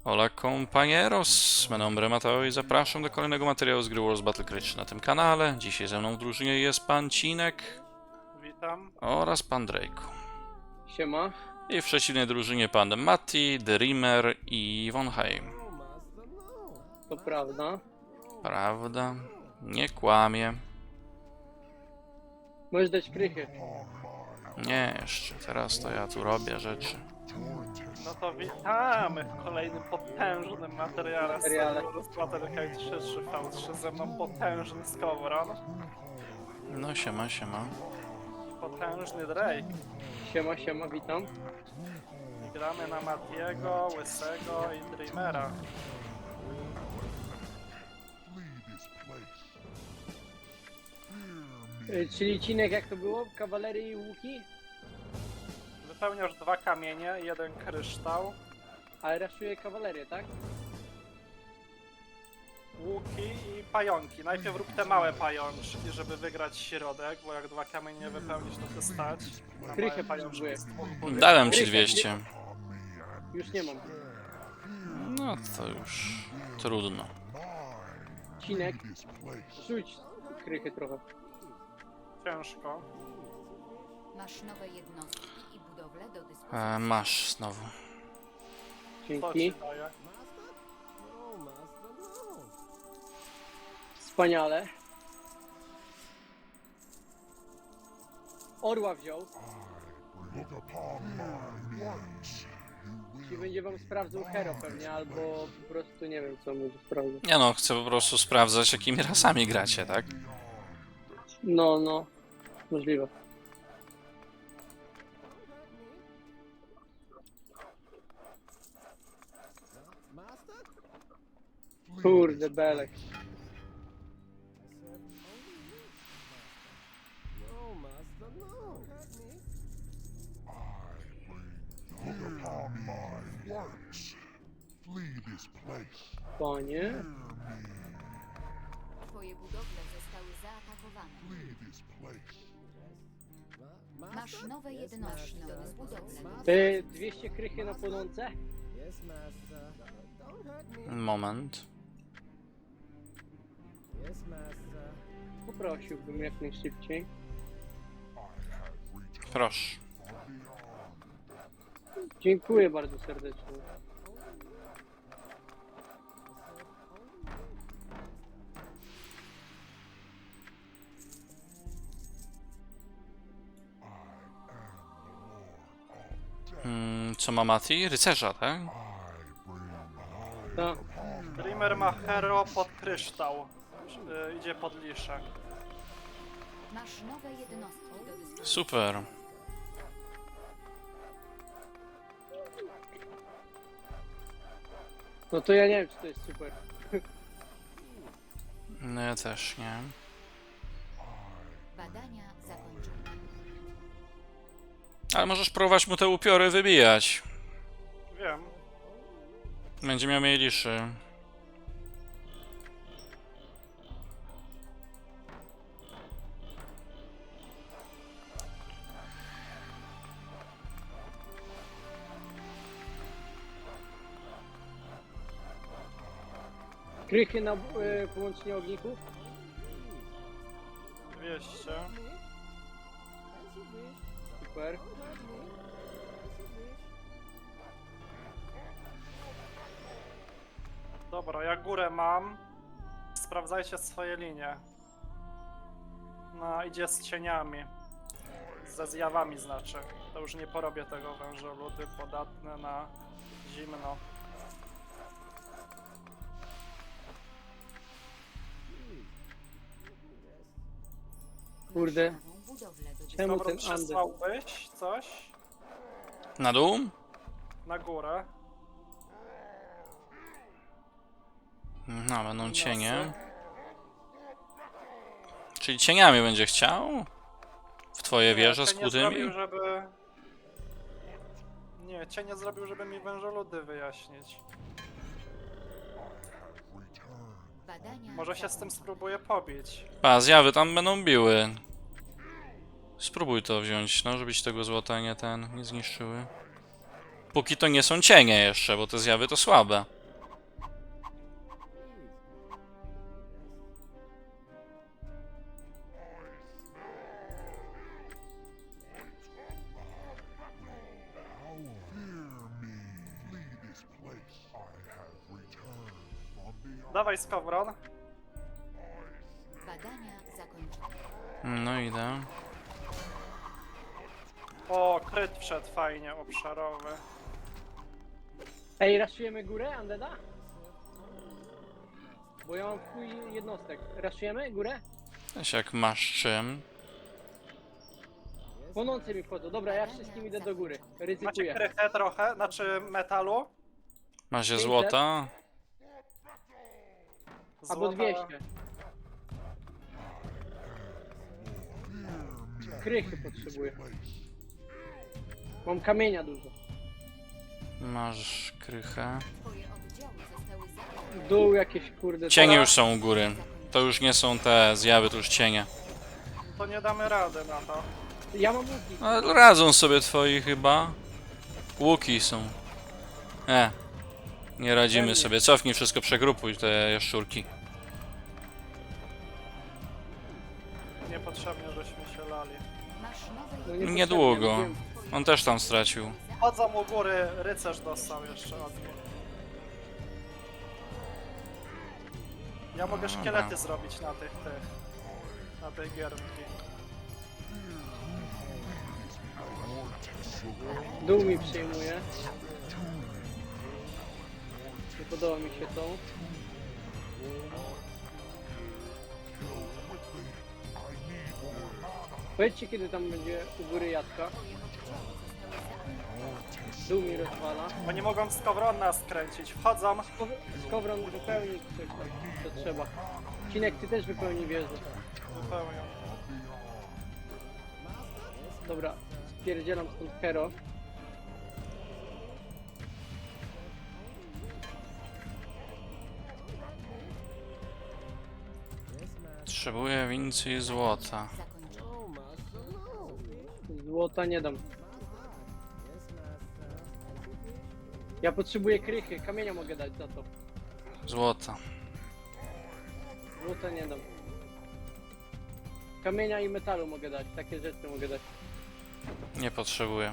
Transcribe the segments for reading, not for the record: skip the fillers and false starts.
Hola compañeros, meu nombre Mateo i zapraszam do kolejnego materiału z gry Wars Battle Cry na tym kanale. Dzisiaj ze mną w drużynie jest pan Cinek Witam. oraz pan Drake. Siema. I w przeciwnej drużynie pan Matti, Dreamer i Von Heim. To prawda. Prawda? Nie kłamie. Możesz dać krychy. Nie, jeszcze. Teraz to ja tu robię rzeczy. No to witamy w kolejnym potężnym materiale z Battlecry 3-3v3. Ze mną potężny Skowron, No siema, siema. potężny Drake. Siema, siema, witam. I gramy na Matiego, Łysego i Dreamera. Czyli Cinek, jak to było? Kawalerii i łuki? Wypełniasz 2 kamienie, 1 kryształ, Ale raszuje kawalerię, tak? łuki i pająki. Najpierw rób te małe pajączki, żeby wygrać środek, bo jak 2 kamienie wypełnisz, to się stać. Na Krychę małe pajączki potrzebuję. z 2 budynków. Dałem ci 200. Już nie mam. No to już trudno. Cinek, rzuć krychy trochę. Ciężko. Masz nowe jednostki i budowle do dyspozycji. Masz znowu. Co ci Dzięki. daje? Wspaniale. Orła wziął. Czyli będzie wam sprawdzał hero pewnie, albo po prostu nie wiem co będzie sprawdzał. Nie no, chcę po prostu sprawdzać, jakimi rasami gracie, tak? No. Możliwe. Kurde, belek. Panie. Twoje budowle zostały zaatakowane. Masz nowe jednostki do dyspozycji. 200 krychy na płonące? Moment. Poprosiłbym jak najszybciej. Proszę. Dziękuję bardzo serdecznie. Co ma Mati? Rycerza, tak? Tak. Dreamer ma hero pod kryształ. Idzie pod liszę. Masz nowe jednostki do dyspozycji. Super. No to ja nie wiem czy to jest super. No ja też nie. Badania zakończone. Ale możesz próbować mu te upiory wybijać. Wiem. Będzie miał mniej liszy. Krychy na połączenie ogników? 200. Super. Dobra, ja górę mam. Sprawdzajcie swoje linie. No, idzie z cieniami. Ze zjawami znaczy. To już nie porobię tego wężoludy, podatne na zimno. Kurde. Nową budowlę do dyspozycji. Czemu Dobra, ten Ander? przesłałbyś coś Na dół? na górę? No, będą cienie. Czyli cieniami będzie chciał? W twoje wieże z cień nie kutymi? zrobił, żeby... Nie, cień nie zrobił, żeby mi wężoludy wyjaśnić. Badania Może się z tym spróbuję pobić. A, zjawy tam będą biły. Spróbuj to wziąć, no, żebyś tego złota nie zniszczyły. Póki to nie są cienie jeszcze, bo te zjawy to słabe. Dawaj skowron. Badania zakończone. No idę. O, kryt wszedł fajnie, obszarowy. Ej, raszujemy górę, Undeada? Bo ja mam chuj jednostek. Raszujemy górę? Weź jak masz czym. Płonące mi wchodzą. Dobra, ja wszystkim idę do góry. Macie Ryzykuję. krychę trochę, znaczy metalu. Macie 500? złota? Albo Złota- 200. Krychy potrzebuję. Mam kamienia dużo. Masz krychę. Twoje oddziały zostały zakończone. Dół jakieś kurde. Cienie już są u góry. To już nie są te zjawy, to już cienie. To nie damy rady na to. Ja mam łuki. Ale radzą sobie twoi chyba. Łuki są. Nie radzimy Pewnie. sobie. Cofnij wszystko, przegrupuj te jaszczurki. Niepotrzebnie, żeśmy się lali. Masz nowe No jednostki. Niedługo. wiem. On też tam stracił. Chodzą u góry, rycerz dostał jeszcze od nich. Ja mogę Dobra. szkielety zrobić na na tej giermki. Dół mi przejmuje. Nie podoba mi się to. Powiedzcie, kiedy tam będzie u góry Jacka. Dół mi rozwala. Oni mogą skowrona skręcić. Wchodzą. Skowron wypełni coś tam, co trzeba. Cinek, ty też wypełni wieżę. Wypełnią. Dobra, spierdzielam stąd Hero. Potrzebuję więcej złota. Zakończone. Złota nie dam. Ja potrzebuję krychy, kamienia mogę dać za to. Złota. Złota nie dam. Kamienia i metalu mogę dać, takie rzeczy mogę dać. Nie potrzebuję.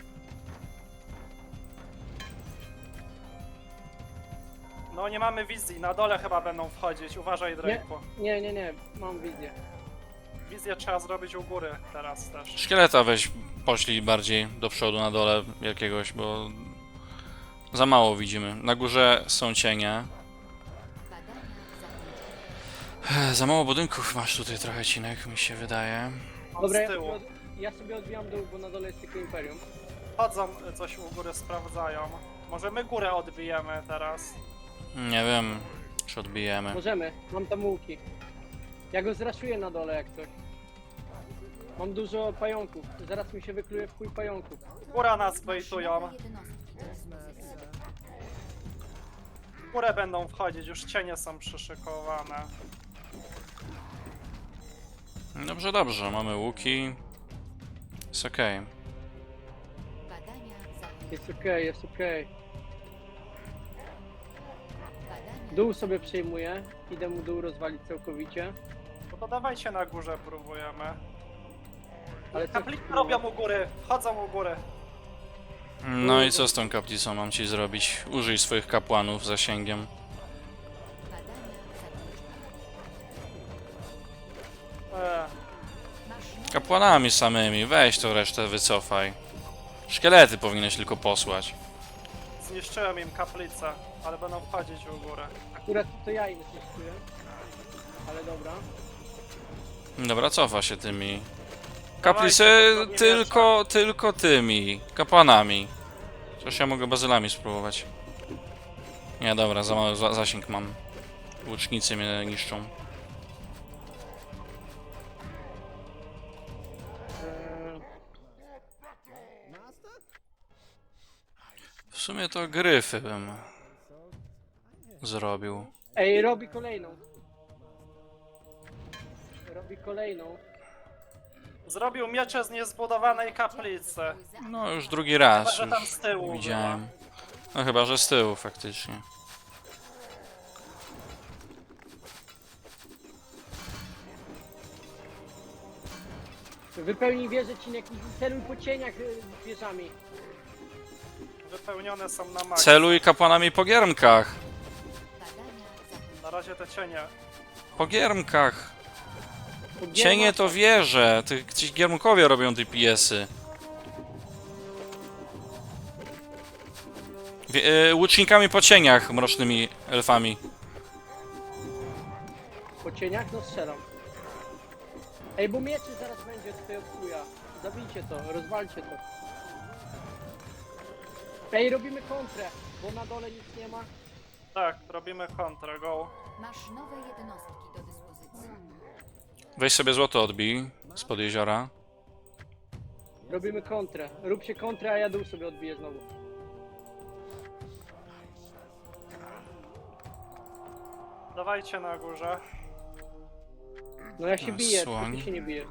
No nie mamy wizji, na dole chyba będą wchodzić. Uważaj, Drake'u. Nie, mam wizję. Wizję trzeba zrobić u góry teraz też. Szkieleta weź poślij bardziej do przodu, na dole jakiegoś, bo za mało widzimy. Na górze są cienie. Badania zakończone. Za mało budynków masz tutaj trochę, Cinek, mi się wydaje. Dobra, Z tyłu. ja sobie odbijam dół, bo na dole jest tylko Imperium. Chodzą, coś u góry sprawdzają. Może my górę odbijemy teraz. Nie wiem, czy odbijemy. Możemy, mam tam łuki. Ja go zraszuję na dole jak coś. Mam dużo pająków, zaraz mi się wykluje w chuj pająków. Góra nas Masz bejtują. nowe jednostki do dyspozycji. W górę będą wchodzić, już cienie są przyszykowane. Dobrze, dobrze, mamy łuki. Jest okej. Badania zakończone. Jest okej, jest okej. Badania Dół sobie przejmuję, idę mu dół rozwalić całkowicie. No to dawajcie na górze, próbujemy. Ale co Kaplice robią u góry, wchodzą u góry. No i co z tą kaplicą mam ci zrobić? Użyj swoich kapłanów zasięgiem. badania zakończone. Masz nowe Kapłanami samymi, weź to resztę wycofaj. Szkielety powinieneś tylko posłać. Zniszczyłem im kaplicę, ale będą wchodzić u górę. Akurat to ja im zniszczyłem. Ale dobra. Dobra, cofa się tymi. Dawajcie, Kaplice bo to nie tylko tymi. Kapłanami. Chociaż ja mogę bazylami spróbować. Nie, dobra, za mały zasięg mam. Łucznicy mnie niszczą. Eee, W sumie to gryfy bym zrobił. Ej, robi kolejną. Robi kolejną. Zrobił miecze z niezbudowanej kaplicy. No już drugi raz Chyba, że tam już z tyłu widziałem. No chyba, że z tyłu faktycznie. Wypełnij wieżę, Cinek, i celuj po cieniach wieżami. Wypełnione są na maksa. Celuj kapłanami po giermkach. badania zakończone. Na razie te cienie. Po giermkach. Cienie to wieże. Ci giermkowie robią DPS-y. Łucznikami po cieniach, mrocznymi elfami. Po cieniach? No strzelam. Ej, bo mieczy zaraz będzie tutaj od chuja. Zabijcie to, rozwalcie to. Ej, robimy kontrę, bo na dole nic nie ma. Tak, robimy kontrę, go. Masz nowe jednostki do dyspozycji. Weź sobie złoto odbij spod jeziora. Robimy kontrę. Róbcie kontrę, a ja dół sobie odbiję znowu. Dawajcie na górze. No ja się biję, tylko Słoń. ty się nie bijesz.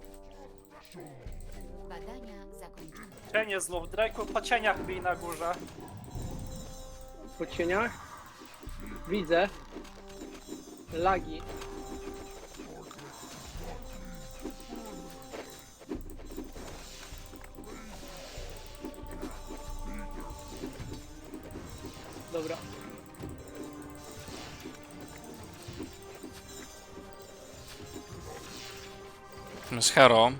Badania zakończone. Cienie znów. Drake'u, po cieniach bij na górze. Po cieniach. Widzę. Lagi. Dobra. Z Hero.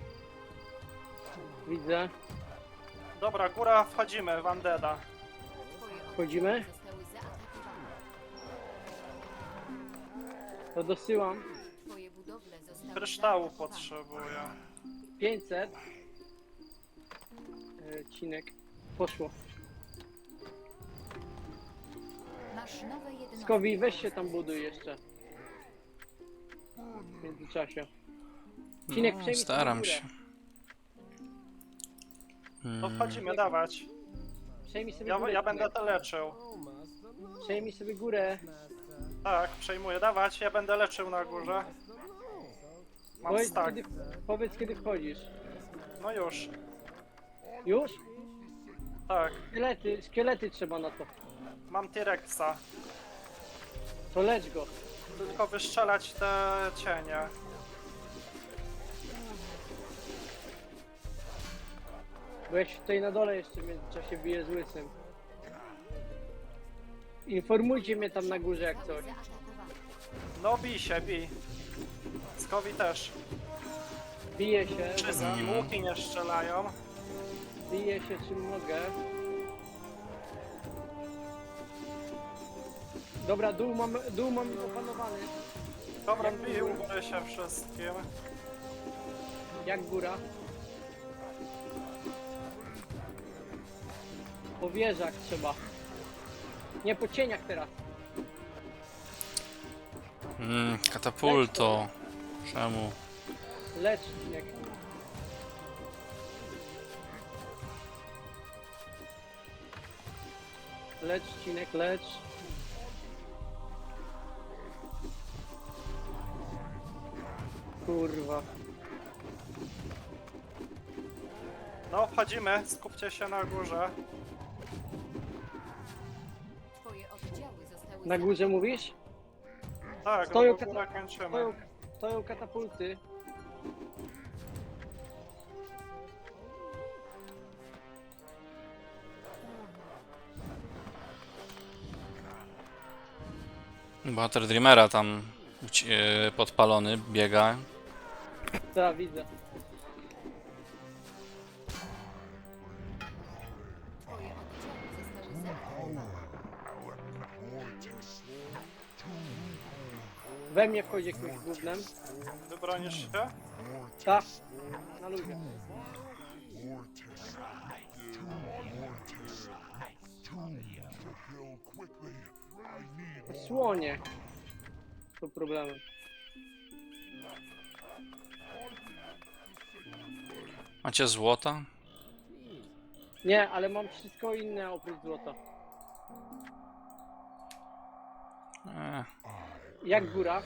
Widzę. Dobra, góra, wchodzimy w Undeada. Twoje Wchodzimy? oddziały zostały zaatakowane. To dosyłam. Twoje budowle zostały Kryształu zaatakowane. potrzebuję. 500. Cinek. Poszło. Masz nowe jednostki. Skowi, weź się tam buduj jeszcze. W międzyczasie. Cinek, No, przejmij staram sobie się. górę. To wchodzimy, dawać. Przejmij sobie Ja, górę. ja Cinek. będę to leczył. Przejmij sobie górę. Tak, przejmuję, dawać. Ja będę leczył na górze. Mam Powiedz stack. kiedy, powiedz kiedy wchodzisz. No już. Już? Tak, Szkielety trzeba na to. mam T-Rexa. To lecz go. Tylko wystrzelać te cienie. Bo ja się tutaj na dole jeszcze w międzyczasie biję z łysym. Informujcie mnie tam na górze jak coś. Zaatakowane. No bij się, bij. Skowi też. Biję się, Wszystkim łuki nie strzelają. biję się czym mogę. Dobra, dół mam opanowany. Dobra, bił się wszystkim. Jak góra? Po wieżach trzeba. Nie, po cieniach teraz. Katapulto. Czemu? Lecz, Cinek. Lecz, Cinek, lecz. Kurwa. No, wchodzimy, skupcie się na górze. Twoje oddziały zostały Na górze mówisz? Tak, Stoją no bo górę kończymy. Stoją katapulty. Bohater Dreamera tam podpalony biega. Tak, widzę. Twoje oddziały zostały zaatakowane. We mnie wchodzi jakimś gównem. Wybronisz się? Tak. Na ludzie. Słonie. To problemem. Macie złota? Nie, ale mam wszystko inne oprócz złota. Jak góra?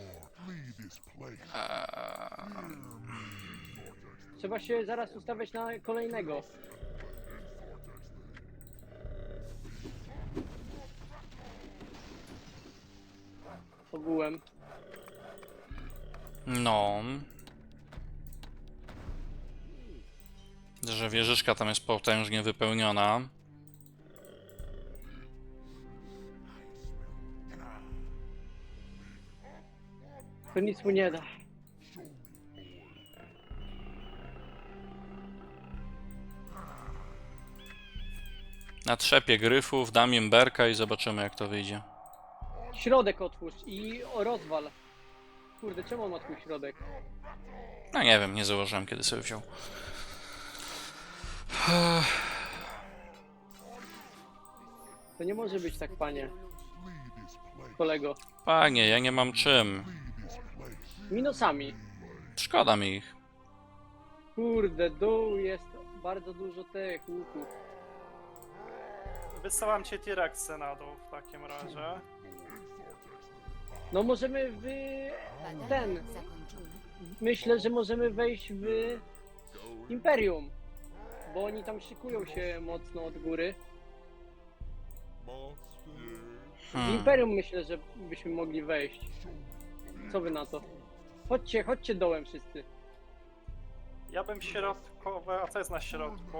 Trzeba się zaraz ustawiać na kolejnego. Ogółem. No. Że wieżyczka tam jest potężnie wypełniona. To nic mu nie da. Natrzepię gryfów, dam im berka i zobaczymy jak to wyjdzie. Środek otwórz i rozwal. Kurde, czemu on ma twój środek? No nie wiem, nie założyłem kiedy sobie wziął. To nie może być tak, panie. Kolego. Panie, ja nie mam czym. Minusami. Szkoda mi ich. Kurde, dół jest bardzo dużo tych łuków. Wysyłam cię T-Rexy na dół w takim razie. No możemy w... Badania ten... zakończone. Myślę, że możemy wejść w Imperium. Bo oni tam szykują się mocno od góry. W Imperium myślę, że byśmy mogli wejść. Co wy na to? Chodźcie, chodźcie dołem wszyscy. Ja bym środkowe, a co jest na środku?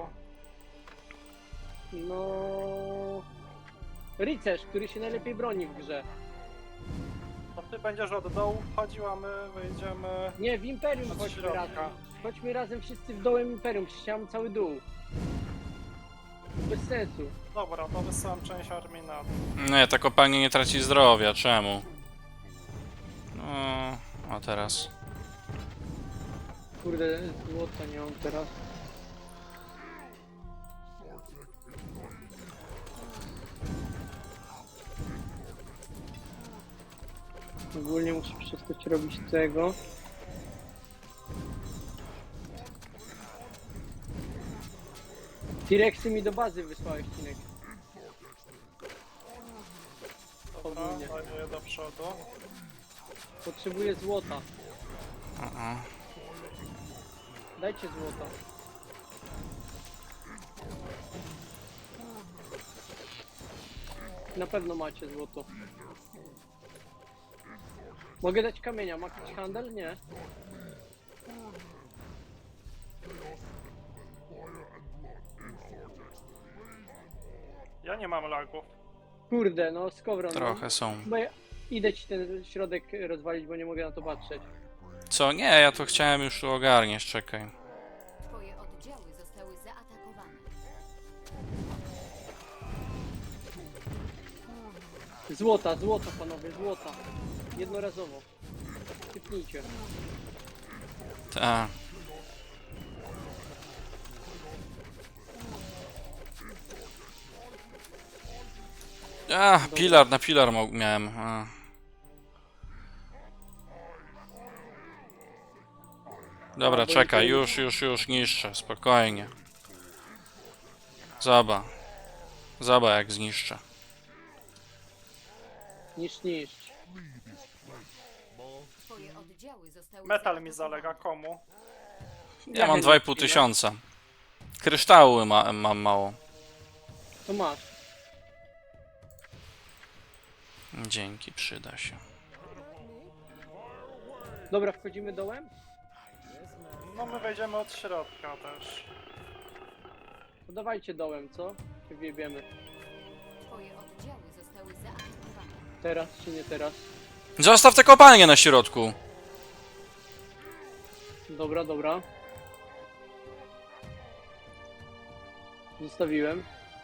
No... Rycerz, który się najlepiej broni w grze. To ty będziesz od dołu wchodził, a my wyjdziemy Nie, w Imperium od chodźmy środka. razem. Chodźmy razem wszyscy w dołem Imperium, przecież ja mam cały dół. Bez sensu. Dobra, to wysyłam część armii na dół. Nie, ta kopalnia nie traci zdrowia, czemu? No, a teraz. Kurde, złota nie mam teraz. Ogólnie muszę przestać robić tego. T-Rexy mi do bazy wysłałeś, Cinek. Dobra, Ogólnie. daję do przodu. Potrzebuję złota. Uh-uh. Dajcie złota. Na pewno macie złoto. Mogę dać kamienia, ma jakiś handel? Nie. Ja nie mam lagów. Kurde, no skowron. Trochę są. Bo ja idę ci ten środek rozwalić, bo nie mogę na to patrzeć. Co? Nie, ja to chciałem już tu ogarniać, czekaj. Twoje oddziały zostały zaatakowane. Złota, złota panowie, złota. Jednorazowo. Typnijcie. Ta. A, pilar, na pilar miałem. A. Dobra, A, bo czekaj, Imperium- już niszczę, spokojnie. Zaba. Zaba jak zniszczę. Niszcz. Twoje oddziały zostały Metal mi zaatakowane. zalega, komu? Ja mam 2,5 tysiąca. Kryształy mam mało. To masz. Dzięki, przyda się. Dobra, wchodzimy dołem? No my wejdziemy od środka też. To dawajcie dołem, co? Się wjebiemy. Twoje oddziały zostały zaatakowane. Teraz czy nie teraz? Zostaw te kopalnie na środku. Dobra, dobra. Zostawiłem.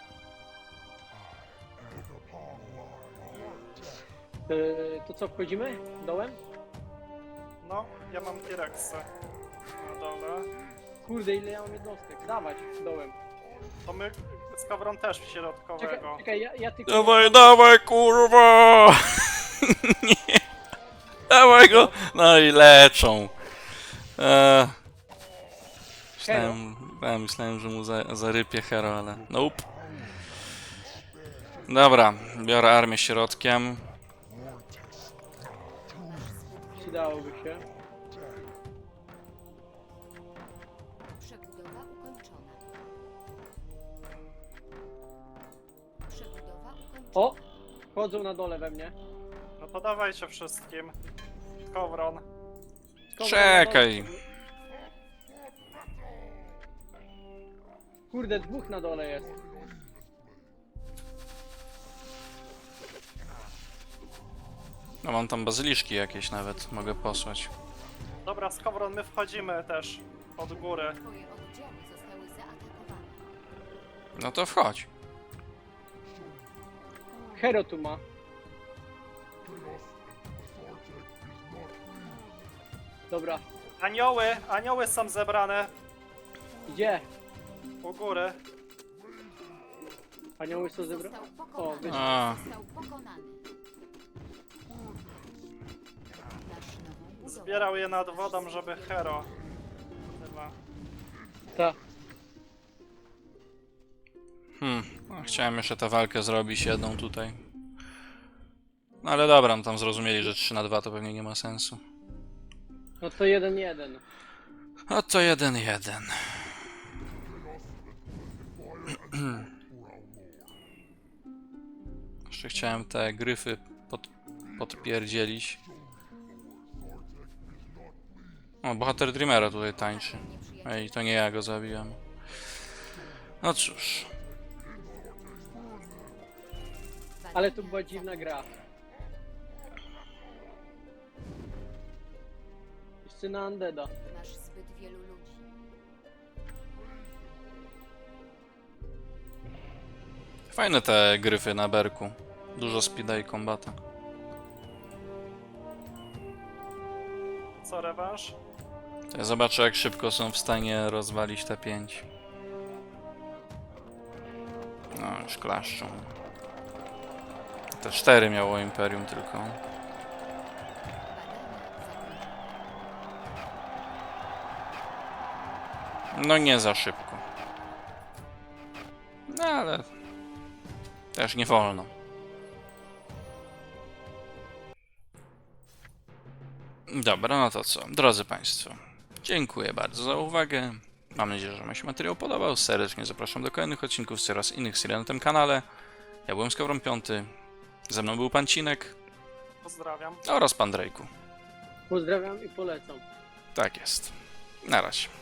To co, wchodzimy? Dołem? No, ja mam T-Rexy na dole. Kurde, ile ja mam jednostek. Dawać, dołem. To my z Kowron też Czekaj, środkowego. czekaj, ja tylko... Dawaj, dawaj, kurwa! Nie. Dawaj go! No i leczą. Myślałem, że mu zarypie hero, ale nope. Dobra, biorę armię środkiem. Przydałoby się. Przebudowa ukończona. Przebudowa ukończona. O! Chodzą na dole we mnie. No to dawajcie wszystkim. Kowron. Skąd Czekaj. na dole? Kurde, dwóch na dole jest. No mam tam bazyliszki jakieś nawet, mogę posłać. Dobra, Skowron, my wchodzimy też od góry. Twoje oddziały zostały zaatakowane. No to wchodź. Hero tu ma. Dobra, Anioły są zebrane gdzie? u góry. Anioły są zebrane? Został O, pokonany. wyszło. A, Został pokonany. Nasz nową budowę. Zbierał je nad wodą, żeby Hero. Chyba. Ta. no, chciałem jeszcze tę walkę zrobić jedną tutaj. No ale dobra, no tam zrozumieli, że 3 na 2 to pewnie nie ma sensu. No to 1-1. No to 1-1. Jeszcze chciałem te gryfy podpierdzielić. O, bohater Dreamera tutaj tańczy. Ej, to nie ja go zabiłem. No cóż. Ale to była dziwna gra. Jeszcze na Undeada. Masz zbyt wielu ludzi. Fajne te gryfy na berku. Dużo speeda i kombata. Co, rewanż? To ja zobaczę, jak szybko są w stanie rozwalić te 5. No, już klaszczą. Te 4 miało Imperium tylko. Badania zakończone. No nie za szybko. No ale... też nie wolno. Dobra, no to co? Drodzy Państwo, dziękuję bardzo za uwagę. Mam nadzieję, że Wam się materiał podobał. Serdecznie zapraszam do kolejnych odcinków z coraz innych serii na tym kanale. Ja byłem Skowron 5. Ze mną był Pan Cinek Pozdrawiam. oraz Pan Drejku. Pozdrawiam i polecam. Tak jest. Na razie.